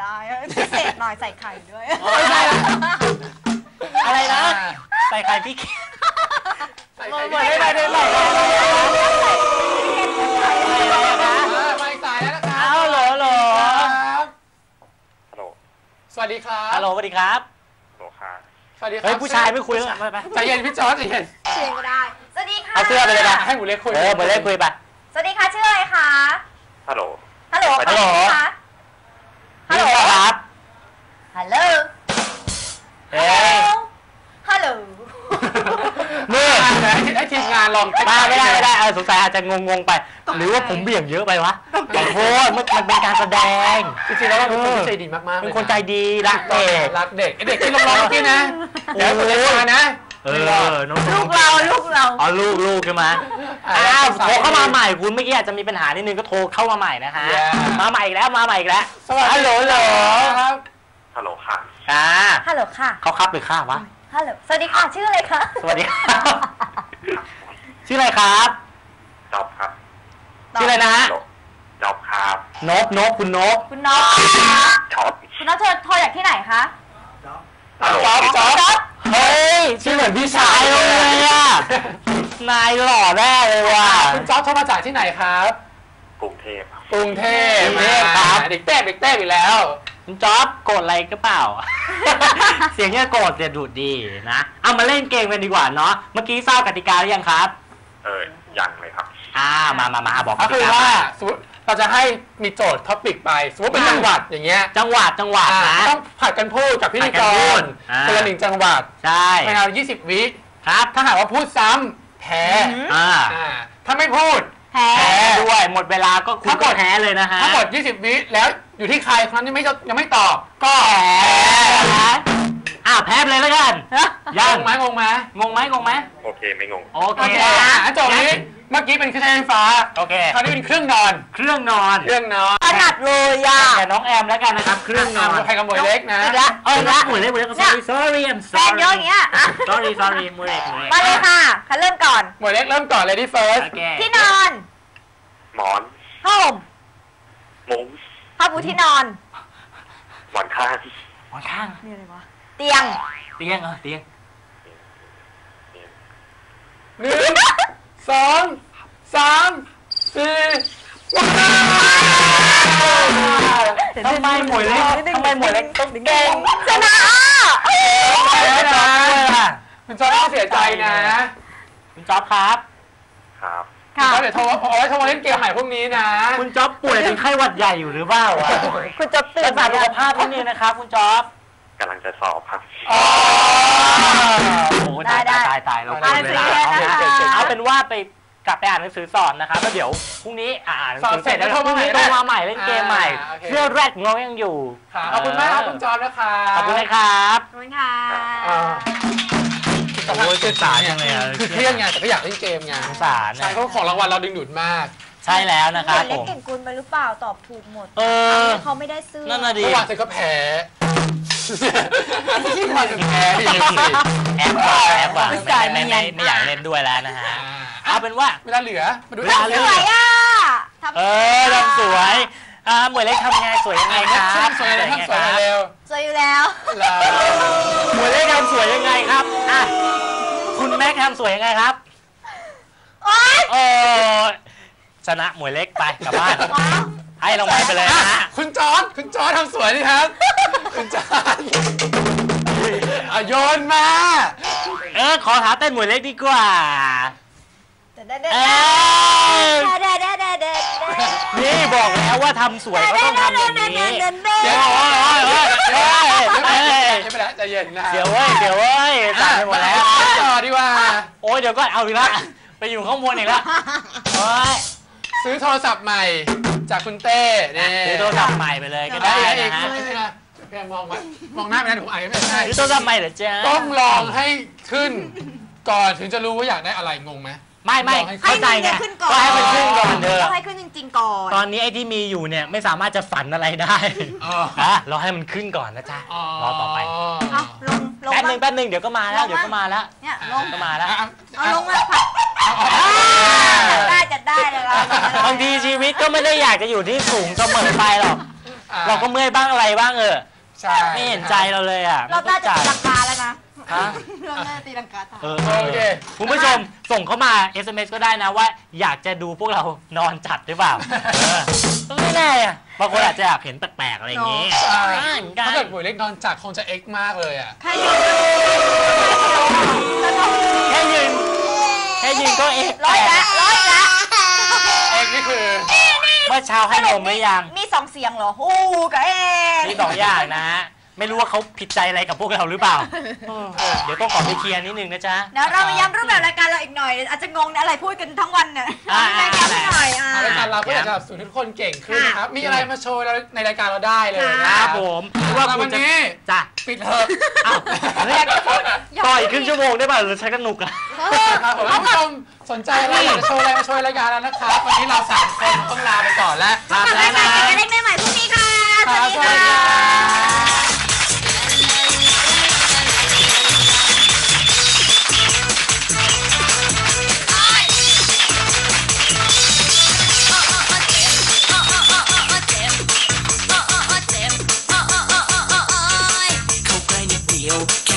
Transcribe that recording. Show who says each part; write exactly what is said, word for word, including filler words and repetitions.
Speaker 1: ได้พิเศษหน่อยใส่ไข่ด้วย
Speaker 2: อะไรนะใส่ไข่พี่เกด
Speaker 3: ใส่ไข่ไม่ได้เลยหรอกไม่ใส่แล้วนะครับ
Speaker 2: เอาเหรอเหรอ
Speaker 3: ฮัลโหลสวัสดีครับ
Speaker 2: ฮัลโหลสวัสดีครับ
Speaker 3: ฮัลโหลครับส
Speaker 2: วัสดีครับเฮ้ยผู้ชายไม่คุยแล้วไป
Speaker 3: ใจเย็นพี่จอร์จใจเย็น
Speaker 1: เชียงก็ได้สวัสดีค่ะ
Speaker 2: เอาเสื้อไปเลยนะ
Speaker 3: ให้หมูเล็กคุย
Speaker 2: เออหมูเล็กคุยไป
Speaker 1: สวัสดีค่ะชื่ออะไรคะ
Speaker 3: ฮัลโหล
Speaker 1: ฮัลโหล
Speaker 2: ฮัลโหล
Speaker 1: ฮัลโหล
Speaker 2: ครับ
Speaker 1: ฮัลโหล
Speaker 2: เฮ้ย
Speaker 1: ฮัลโหล
Speaker 3: นี่ให้ทีมงานลอง
Speaker 2: มาไม่ได้ไม่ได้เออสงสัยอาจจะงงๆไปหรือว่าผมเบี่ยงเยอะไปวะขอโทษมันเป็นการแสดง
Speaker 3: จริงๆแล้วเป็นคนใจดีมากๆ
Speaker 2: เป็นคนใจดีรักเด็ก
Speaker 3: รักเด็กเด็กที่ร้องๆพี่นะเดี๋ยวคนเล็กมานะ
Speaker 2: เออ
Speaker 1: ลูกเราลูกเรา
Speaker 2: อ๋อลูกลูกใช่ไหมอ้าวโทรเข้ามาใหม่คุณเมื่อกี้อาจจะมีปัญหานิดนึงก็โทรเข้ามาใหม่นะคะมาใหม่อีกแล้วมาใหม่อีกแล้วฮัลโหลฮัลโหล
Speaker 3: ครับฮัลโหลค่ะ
Speaker 2: อ่า
Speaker 1: ฮัลโหลค่ะ
Speaker 2: เขาครับหรือข้าวะ
Speaker 1: ฮัลโหลสวัสดีค่ะชื่ออะไรคะ
Speaker 2: สวัสดีครับชื่ออะไรครับ
Speaker 3: จ๊อบครับ
Speaker 2: ชื่ออะไรนะ
Speaker 3: จ๊อบครับ
Speaker 2: นกนกคุณนก
Speaker 1: คุณนก
Speaker 3: จ๊อบ
Speaker 1: คุณนกโทรโทรจากที่ไหนคะ
Speaker 3: จ๊อบจ๊อบจ๊อบ
Speaker 2: เฮ้ยชื่อเหมือนพี่ชายเลยอ่ะนายหล่อแน่เลยว่ะ
Speaker 3: คุณจ๊อบโทรมาจากที่ไหนครับกรุงเทพกรุงเทพครับเด็กเต้เด็กเต้อีกแล้ว
Speaker 2: คุณจ๊อบโกรธอะไรก็เปล่าเสียงเนี่ยโกรธจะดูดดีนะเอามาเล่นเกมกันดีกว่าเนาะเมื่อกี้ทราบกติกาหรือยังครับ
Speaker 3: เออยังเลยครับ
Speaker 2: อ่ามามามาบอก
Speaker 3: ก็คือว่าสมมติเราจะให้มีโจทย์ท็อปิกไปสมมติเป็นจังหวัดอย่างเงี้ย
Speaker 2: จังหวัดจังหวัดนะ
Speaker 3: ต้องผัดกันพูดกับพิธีกรคนละหนึ่งจังหวัด
Speaker 2: ใช่
Speaker 3: ภายในยี่สิบวิ
Speaker 2: ครับ
Speaker 3: ถ้าหากว่าพูดซ้ำแพ้
Speaker 2: อ่า
Speaker 3: ถ้าไม่พูด
Speaker 1: แพ้
Speaker 2: ด้วยหมดเวลาก็คุณก็แพ้เลยนะฮะ
Speaker 3: ถ้าหมดยี่สิบวิแล้วอยู่ที่ใครคนนั้นยังไม่ยังไม่ตอบก็
Speaker 2: แพ้อ่าแพ้เลยแล้วกัน
Speaker 3: ยังงงไหมงงไหม
Speaker 2: งงไหมงงไหม
Speaker 3: โอเคไม่งง
Speaker 2: โอเค
Speaker 3: อ่ะโจทย์นี้เมื่อกี้เป็นเครื่องใช้ไฟฟ้า
Speaker 2: โอเค
Speaker 3: คราวนี้เป็นเครื่องนอน
Speaker 2: เครื่องนอน
Speaker 3: เครื่องนอน
Speaker 1: ถนัดเลยอ่ะ
Speaker 2: แต่น้องแอมแล้วกันนะครับเครื่องนอน
Speaker 3: ใครกับหมวยเล็กนะ
Speaker 2: เออละหมวยเล็กหมวยเล็ก sorry sorry I'm sorry
Speaker 1: แฟนเยอะอย่างเงี้ย
Speaker 2: sorry sorry หมวยเล็ก
Speaker 1: มาเลยค่ะคันเริ่มก่อน
Speaker 3: หมวยเล็กเริ่มก่อนเลยที่ first
Speaker 1: ที่นอน
Speaker 3: หมอน
Speaker 1: ผ้าห่ม
Speaker 3: มุ้ง
Speaker 1: ผ้าปูที่นอน
Speaker 3: หมอนข้าง
Speaker 2: หมอนข้าง
Speaker 1: นี่อะไรวะเตียง
Speaker 2: เตียงเออเตียง
Speaker 3: หนึ่งสองสามสี่
Speaker 2: ทำไมหมวยเล็กทำไมหมวยเล็กต้องเก่ง
Speaker 1: ชนะ
Speaker 3: คุณจ๊อบต้องเสียใจนะ
Speaker 2: คุณจ๊อบครับ
Speaker 3: ครับค่ะเดี๋ยวโทรเอาไว้โทรมาเล่นเกมใหม่พวกนี้นะ
Speaker 2: คุณจ๊อบป่วยเป็นไข้หวัดใหญ่อยู่หรือเปล่า
Speaker 1: คุณจ๊อบตื่น
Speaker 2: มาสุขภาพนิดนึงนะครับคุณจ๊อบ
Speaker 3: กำลังจะสอบครับ
Speaker 2: โอ้ตายตายตายเราเวลาเอาเป็นว่าไปกลับไปอ่านหนังสือสอนนะครับแล้วเดี๋ยวพรุ่งนี้อ่านหนังสือเสร็จแล้วพรุ่งนี้โทรมาใหม่เล่นเกมใหม่เชื่อแรกงงยังอยู่
Speaker 3: ขอบคุณมากครับคุณจอมนะครับ
Speaker 2: ขอบคุณนะครับ
Speaker 1: ขอบคุณค่ะ
Speaker 2: โอ้ยเจ็บสารยังไง
Speaker 3: คือเครียดไงแต่ก็อยากเล่นเกมไง
Speaker 2: สาร
Speaker 3: ใช่เขาของรางวัลเราดึงดูดมาก
Speaker 2: ใช่แล้วนะครับผม
Speaker 1: เล่นเก่งกุลไปหรือเปล่าตอบถูกหมด
Speaker 2: เออ
Speaker 1: เขาไม่ได้ซื้อ
Speaker 2: นั่นน่ะดิ
Speaker 3: เมื่อวานเธอก็แพ้ที่มาถึงแพ้ดิ
Speaker 2: แอบว่าแอบว่าไม่ไม่ไม่อยากเล่นด้วยแล้วนะฮะเอาเป็นว่า
Speaker 3: เวลาเหลือ
Speaker 1: มาดูเวลาเหลือสวยอ่ะ
Speaker 2: เออทำสวยอ่าหมวยเล็กทำไงสวยยังไงครับ
Speaker 3: สวยยังไงสวยเร็ว
Speaker 1: สวยอยู่แล้ว
Speaker 2: หมวยเล็กทำสวยยังไงครับอ่ะคุณแม็กทำสวยยังไงครับโอ้ชนะหมวยเล็กไปกลับบ้านให้รางวัลไปเลยนะฮะ
Speaker 3: คุณจอร์จคุณจอร์จทำสวยดิครับคุณจอร์จโยนมา
Speaker 2: เออขอท้าเต้นหมวยเล็กดีกว่านี่บอกแล้วว่าทำสวยก็ต้องทำอย่างนี้
Speaker 3: เดี๋ยวโอ้ยโอ้ยโอ้ยไม่เป็นไรใจเย็นนะ
Speaker 2: เดี๋ยวเว้ยเดี๋ยวเว้ยตัดไปหมดแล้ว
Speaker 3: ต่อดีกว่า
Speaker 2: โอ้ยเดี๋ยวก็เอาอีกละไปอยู่ข้างบนอีกแล้วโอ้ย
Speaker 3: ซื้อโทรศัพท์ใหม่จากคุณเต้เนี่ย
Speaker 2: ซื้อโทรศัพท์ใหม่ไปเลยก็ได้นะฮะ
Speaker 3: เพียงมองมองหน้าไม่ได้ผมอ่านไม่ได้
Speaker 2: ซื้อโทรศัพท์ใหม่เหรอจ๊ะ
Speaker 3: ต้องลองให้ขึ้นก่อนถึงจะรู้ว่าอยากได้อะไรงงไหม
Speaker 2: ไม่ไม่เข้าใจไงก็ให้มันขึ้นก่อนเถอะ
Speaker 1: ให้ขึ้นจริงๆก่อน
Speaker 2: ตอนนี้ไอ้ที่มีอยู่เนี่ยไม่สามารถจะฝันอะไรได้อ่ะรอให้มันขึ้นก่อนนะจ๊ะรอต่อไปแป๊บนึงแป๊บนึงเดี๋ยวก็มาแล้วเดี๋ยวก็มาแล้ว
Speaker 1: เนี่ยลง
Speaker 2: ก็มาแล้ว
Speaker 1: เอาลงมาค่ะได้จะได้เลย
Speaker 2: บางทีชีวิตก็ไม่ได้อยากจะอยู่ที่สูงเสมอไปหรอกเราก็เมื่อยบ้างอะไรบ้างเออ
Speaker 3: ใช่
Speaker 2: ไม่เห็นใจเราเลยอ่ะ
Speaker 1: รอบหน้าจะตีลังกาแล้วนะ
Speaker 2: ฮะ
Speaker 1: รอบหน้าตีลังกาตาย
Speaker 2: เออ
Speaker 3: โอเค
Speaker 2: คุณผู้ชมส่งเข้ามา เอส เอ็ม เอส ก็ได้นะว่าอยากจะดูพวกเรานอนจัดหรือเปล่าเออก็ไม่แน่อะบางคนอาจจะอยากเห็นแปลกๆอะไรอย่างงี้
Speaker 3: ใช่
Speaker 2: ได้เหมือนกัน
Speaker 3: ถ้าเกิดหวยเล็กนอนจัดคงจะเอ็กซ์มากเลยอ่ะ
Speaker 1: ใครอยู่
Speaker 2: แค่ยืนแค่ยืนก็เอ๊ะ
Speaker 1: ร้อยละร้อยละ
Speaker 3: เอ็กซ์นี่คือ
Speaker 2: เมื่อเช้าให้นมหรือยัง
Speaker 1: มีสองเสียงเหรอฮู้กับเอ๊ะ
Speaker 2: มีสองอย่างนะฮะไม่รู้ว่าเขาผิดใจอะไรกับพวกเราหรือเปล่าเออเดี๋ยวต้องขอไปเคลียร์นิดนึงนะจ๊ะ
Speaker 1: เดี๋ยวเรามาย้ำรูปแบบรายการเราอีกหน่อย อาจจะงงนะอะไรพูดกันทั้งวันเนี่ย
Speaker 2: อ่า
Speaker 1: รายการหน่อยอ่ะ
Speaker 3: รายการเราก็อยากจะสูนทุกคนเก่งขึ้นนะครับ มีอะไรมาโชว์ในรายการเราได้เลย
Speaker 2: ค
Speaker 3: นะ
Speaker 2: รับผมไม่ว่า
Speaker 3: แต่
Speaker 2: คุ
Speaker 3: วั
Speaker 2: ณ
Speaker 3: น
Speaker 2: จะ
Speaker 3: นี้
Speaker 2: จ้ะ
Speaker 3: ปิดเถอะ
Speaker 2: อ้าวเฮ้ย
Speaker 1: อยากจะพูดอยาก
Speaker 2: ต่ออีกครึ่งชั่วโมงได้ป่ะหรือใช้กันหนุกอะ
Speaker 3: ครับผมท่านผู้ชมสนใจอะไรอยากจะโชว์อะไรมาโชว์ในรายการแล้วนะครับ วันนี้เราสามคนต้องลาไปก่อนแล้ว
Speaker 2: ลาไป
Speaker 1: กลับ
Speaker 2: แล้
Speaker 1: มาว ใหม่
Speaker 2: นะ
Speaker 1: กันเล็กได้ใหม่พรุ่งนี้ค่ะ
Speaker 3: ครับ
Speaker 1: สวัสดีค่ะ
Speaker 4: เข้าใกล้นิดเดียว